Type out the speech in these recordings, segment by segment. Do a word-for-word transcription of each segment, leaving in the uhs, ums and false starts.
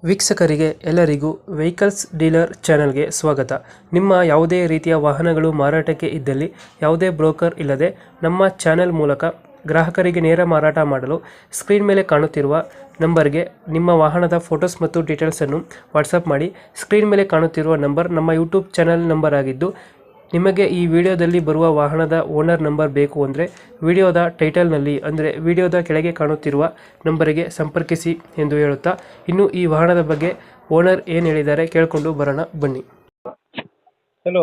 ವೀಕ್ಷಕರಿಗೆ ಎಲ್ಲರಿಗೂ vehicles dealer ಚಾನೆಲ್ಗೆ ಸ್ವಾಗತ. ನಿಮ್ಮ ಯಾವುದೇ ರೀತಿಯ ವಾಹನಗಳು ಮಾರಾಟಕ್ಕೆ ಇದ್ದಲ್ಲಿ ಯಾವುದೇ ಬ್ರೋಕರ್ ಇಲ್ಲದೆ ನಮ್ಮ ಚಾನೆಲ್ ಮೂಲಕ ಗ್ರಾಹಕರಿಗೆ ನೇರ ಮಾರಾಟ ಮಾಡಲು ಸ್ಕ್ರೀನ್ ಮೇಲೆ ಕಾಣುತ್ತಿರುವ ನಂಬರ್ಗೆ ನಿಮ್ಮ ವಾಹನದ ಫೋಟೋಸ್ ಮತ್ತು ಡೀಟೇಲ್ಸನ್ನು ವಾಟ್ಸಪ್ ಮಾಡಿ. ಸ್ಕ್ರೀನ್ ಮೇಲೆ ಕಾಣುತ್ತಿರುವ ನಂಬರ್ ನಮ್ಮ ಯೂಟ್ಯೂಬ್ ಚಾನೆಲ್ ನಂಬರ್ ಆಗಿದ್ದು, ನಿಮಗೆ ಈ ವಿಡಿಯೋದಲ್ಲಿ ಬರುವ ವಾಹನದ ಓನರ್ ನಂಬರ್ ಬೇಕು ಅಂದರೆ ವಿಡಿಯೋದ ಟೈಟಲ್ನಲ್ಲಿ ಅಂದರೆ ವಿಡಿಯೋದ ಕೆಳಗೆ ಕಾಣುತ್ತಿರುವ ನಂಬರಿಗೆ ಸಂಪರ್ಕಿಸಿ ಎಂದು ಹೇಳುತ್ತಾ, ಇನ್ನು ಈ ವಾಹನದ ಬಗ್ಗೆ ಓನರ್ ಏನು ಹೇಳಿದ್ದಾರೆ ಕೇಳಿಕೊಂಡು ಬರೋಣ ಬನ್ನಿ. Hello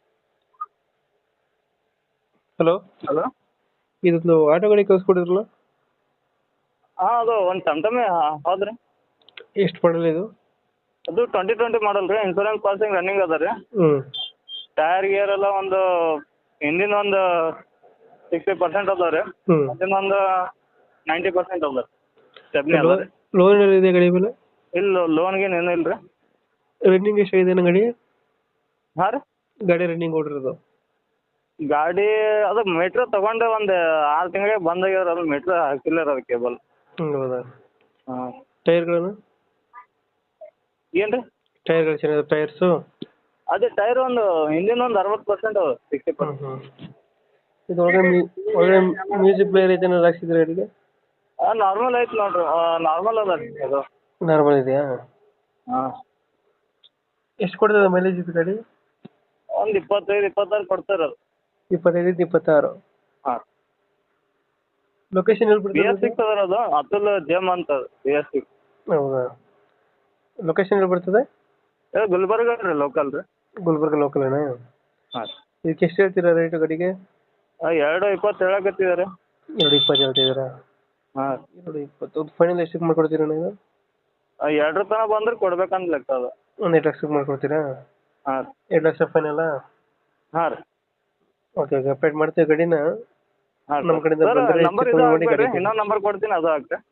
hello hello. ಇದೊಂದು ಆಟೋ ಗಾಡಿ ಕಳಿಸ್ಕೊಡಿದ್ರಲ್ಲ, ಹಾಂ ಅದು ಒಂದು ಟಮ್ ಟಮ್ಮೆ ಹೌದ್ರಿ. ಎಷ್ಟು ಮಾಡಲ್ ಇದು? ಅದು ಟ್ವೆಂಟಿ ಟ್ವೆಂಟಿ ಮಾಡಲ್ ರೀ. ಇನ್ಸೂರೆನ್ಸ್ ಪಾಸಿಂಗ್ ರನ್ನಿಂಗ್ ಅದ ರೀ. ಹ್ಞೂ ಟೈರ್ ಗಿಯರ್ ಎಲ್ಲ ಒಂದು ಹಿಂದಿನ ಒಂದು ಸಿಕ್ಸ್ಟಿ ಪರ್ಸೆಂಟ್ ಅದಾವ ರೀ. ಹ್ಞೂ ಅದನ್ನ ಒಂದು ನೈಂಟಿ ಪರ್ಸೆಂಟ್ ಅದ ರೀ. ಸ್ಟೆಪ್ನಿ ಅದ ರೀ. ಲೋನ್ ಇದೆ ಗಾಡಿ ಮೇಲೆ? ಇಲ್ಲ ಲೋನ್ಗೇನು ಏನೂ ಇಲ್ಲ ರೀ. ರನ್ನಿಂಗ್ ಎಷ್ಟಾಗಿದೆ ನನ್ನ ಗಾಡಿ? ಹಾಂ ರೀ. ಗಾಡಿ ರನ್ನಿಂಗ್ ಓಡಿರೋದು? ಗಾಡಿ ಅದು ಮೀಟ್ರ್ ತೊಗೊಂಡು ಒಂದು ಆರು ತಿಂಗಳಿಗೆ ಬಂದಾಗ್ಯದ. ಅದು ಮೀಟ್ರ್ ಹಾಕಿಲ್ಲ ರೀ, ಅದು ಕೇಬಲ್. ಹ್ಞೂ ಹೌದಾ? ಹಾಂ. ಟೈರ್ಗಳನ್ನು? ಏನು ರೀ? ಟೈರ್ಗಳು ಚೆನ್ನಾಗಿದೆ ಟೈರ್ಸು? ಅದೇ ಟೈರ್ ಒಂದು ಹಿಂದಿನ ಒಂದು ಅರವತ್ತು ಪರ್ಸೆಂಟ್ ಅದ, ಸಿಕ್ಸ್ಟಿ ಹ್ಞೂ ಪರ್ಸೆಂಟ್. ಹ್ಞೂ ಇದು ಒಳಗಡೆ ಮ್ಯೂ ಒಳಗಡೆ ಮ್ಯೂಸಿಕ್ ಪ್ಲೇಯರ್ ಐತೆ ಏನಾದ್ರು ಹಾಕ್ಸಿದ್ರೆ ಗಾಡಿಗೆ? ನಾರ್ಮಲ್ ಐತೆ ನೋಡಿರಿ, ನಾರ್ಮಲ್ ಅದ ರೀ ಅದು. ನಾರ್ಮಲ್ ಇದೆಯಾ? ಹಾಂ. ಎಷ್ಟು ಕೊಡ್ತದೆ ಮೈಲೇಜ್ ಇದು ಗಾಡಿ? ಒಂದು ಇಪ್ಪತ್ತೈದು ಇಪ್ಪತ್ತಾರು ಕೊಡ್ತಾರೆ ಅದು. ಇಪ್ಪತ್ತೈದು ಇಪ್ಪತ್ತಾರು? ಹಾಂ. ಲೊಕೇಶನ್ ಎಲ್ಲಿ ಬಿ ಎಸ್ ಬರ್ತದೆ? ಸಿಕ್ಸ್ ಅದ ಅದು, ಅತುಲ್ ಜೆಮ್ ಅಂತ ಬಿ ಎಸ್ ಸಿಕ್ಸ್. ಹೌದಾ? ಲೊಕೇಶನ್ ಎಲ್ಲಿ ಬರ್ತದೆ? ಏ ಗುಲ್ಬರ್ಗ ರೀ, ಲೋಕಲ್ ರೀ. ಗುಲ್ಬರ್ಗ ಲೋಕಲೇನಾ? ಹಾಂ. ಇದಕ್ಕೆ ಎಷ್ಟು ಹೇಳ್ತೀರಾ ರೇಟು ಗಾಡಿಗೆ? ಎರಡು ಇಪ್ಪತ್ತು ಹೇಳಕತ್ತಿದ್ದಾರೆ. ಎರಡು ಇಪ್ಪತ್ತು ಹೇಳ್ತಿದ್ದೀರಾ? ಹಾಂ. ಎರಡು ಇಪ್ಪತ್ತು ಫೈನಲ್ ಎಷ್ಟಕ್ಕೆ ಮಾಡ್ಕೊಡ್ತೀರಾ ನೀವು? ಎರಡರ ತನಕ ಬಂದ್ರೆ ಕೊಡ್ಬೇಕಂತ ಲೆಕ್ಕ ಅದು. ಒಂದು ಎರಡು ಲಕ್ಷಕ್ಕೆ ಮಾಡ್ಕೊಡ್ತೀರಾ? ಹಾಂ. ಎರಡು ಲಕ್ಷ ಫೈನಲ್ಲ? ಹಾಂ ರೀ. ಓಕೆ ಓಕೆ ಅಪ್ಡೇಟ್ ಮಾಡ್ತೀವಿ ಗಾಡಿನ. ಹಾಂ ನಮ್ಮ ಕಡೆಯಿಂದ ಸರ್, ಬಂದರೆ ನಂಬರ್ ಇದು ಹಾಕ್ಬೇಡ್ರಿ, ಇನ್ನೊಂದು ನಂಬರ್ ಕೊಡ್ತೀನಿ, ಅದು ಹಾಕ್ತೆ.